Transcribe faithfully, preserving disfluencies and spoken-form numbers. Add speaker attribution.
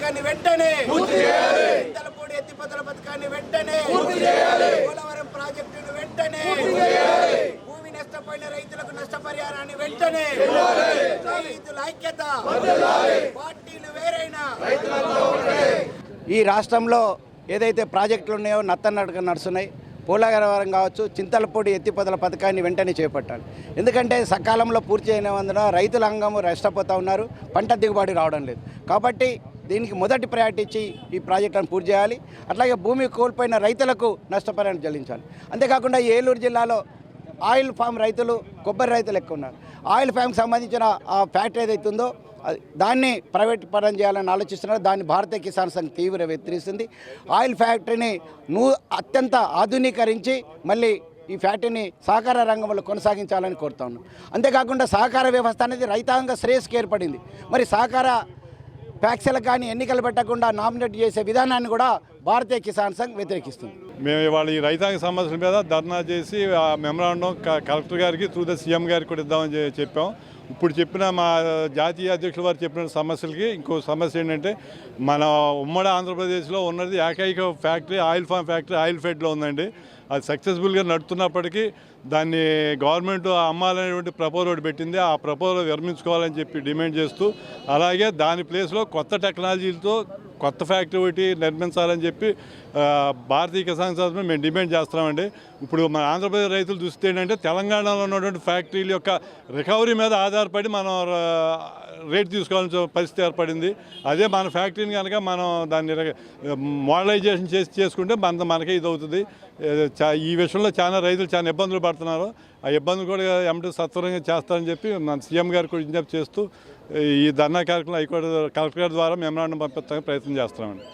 Speaker 1: పథకాన్ని వెంటనే చింతలపూడి ఎత్తిపోతల పథకాన్ని వెంటనే పోలవరం ప్రాజెక్టును వెంటనే భూమి నష్టపోయిన రైతులకు నష్టపరిహారాన్ని వెంటనే రైతుల ఐక్యత పార్టీలు వేరైనా ఈ రాష్ట్రంలో ఏదైతే ప్రాజెక్టులు ఉన్నాయో నత్తనడక నడుస్తున్నాయి. పోలవరం కావచ్చు, చింతలపూడి ఎత్తిపోతల పథకాన్ని వెంటనే చేపట్టాలి. ఎందుకంటే సకాలంలో పూర్తి అయినందున రైతుల అంగము నష్టపోతూ ఉన్నారు, పంట దిగుబడి రావడం లేదు. కాబట్టి దీనికి మొదటి ప్రయారిటీ ఇచ్చి ఈ ప్రాజెక్టులను పూర్తి చేయాలి. అట్లాగే భూమి కోల్పోయిన రైతులకు నష్టపరిహారం చెల్లించాలి. అంతేకాకుండా ఏలూరు జిల్లాలో ఆయిల్ ఫామ్ రైతులు, కొబ్బరి రైతులు ఎక్కువ ఉన్నారు. ఆయిల్ ఫామ్కి సంబంధించిన ఆ ఫ్యాక్టరీ ఏదైతే ఉందో దాన్ని ప్రైవేట్ పరం చేయాలని ఆలోచిస్తున్నారు. దాన్ని భారతీయ కిసాన్ సంఘ్ తీవ్ర వ్యతిరేకిస్తుంది. ఆయిల్ ఫ్యాక్టరీని నూ అత్యంత ఆధునీకరించి మళ్ళీ ఈ ఫ్యాక్టరీని సహకార రంగంలో కొనసాగించాలని కోరుతా ఉన్నాం. అంతేకాకుండా సహకార వ్యవస్థ అనేది రైతాంగ శ్రేయస్కి ఏర్పడింది. మరి సహకార ఫ్యాక్టరీలకు కానీ ఎన్నికలు పెట్టకుండా నామినేట్ చేసే విధానాన్ని కూడా భారతీయ కిసాన్ సంఘ్ వ్యతిరేకిస్తుంది.
Speaker 2: మేము ఇవాళ ఈ రైతాంగ సమస్యల మీద ధర్నా చేసి ఆ మెమరాండం కలెక్టర్ గారికి త్రూ ద సీఎం గారికి కూడా ఇద్దామని చెప్పాం. ఇప్పుడు చెప్పిన మా జాతీయ అధ్యక్షుల వారు చెప్పిన సమస్యలకి ఇంకో సమస్య ఏంటంటే, మన ఉమ్మడి ఆంధ్రప్రదేశ్లో ఉన్నది ఏకైక factory oil palm factory oil ఫెడ్లో ఉందండి. అది సక్సెస్ఫుల్గా నడుతున్నప్పటికీ దాన్ని గవర్నమెంట్ అమ్మాలనేటువంటి ప్రపోజల్ ఒకటి పెట్టింది. ఆ ప్రపోజల్ విరమించుకోవాలని చెప్పి డిమాండ్ చేస్తూ, అలాగే దాని ప్లేస్లో కొత్త టెక్నాలజీలతో కొత్త ఫ్యాక్టరీ ఒకటి నిర్మించాలని చెప్పి భారతీయ కిసాన్ సంఘ్ మేము డిమాండ్ చేస్తున్నామండి. ఇప్పుడు మన ఆంధ్రప్రదేశ్ రైతులు చూస్తే ఏంటంటే, తెలంగాణలో ఉన్నటువంటి ఫ్యాక్టరీల యొక్క రికవరీ మీద ఆధారపడి మనం రేట్ తీసుకోవాల్సిన పరిస్థితి ఏర్పడింది. అదే మన ఫ్యాక్టరీని కనుక మనం దాన్ని మోడలైజేషన్ చేసి చేసుకుంటే మన మనకే ఇది అవుతుంది. ఈ విషయంలో చాలా రైతులు చాలా ఇబ్బందులు పడుతున్నారు. ఆ ఇబ్బందులు కూడా ఎమ్మటి సత్వరంగా చేస్తారని చెప్పి మన సీఎం గారికి కూడా విజ్ఞప్తి చేస్తూ ఈ ధర్నా కార్యక్రమం హైకోర్టు కలెక్టర్ గారి ద్వారా మెమరాండం పంపించడానికి ప్రయత్నం చేస్తున్నామండి.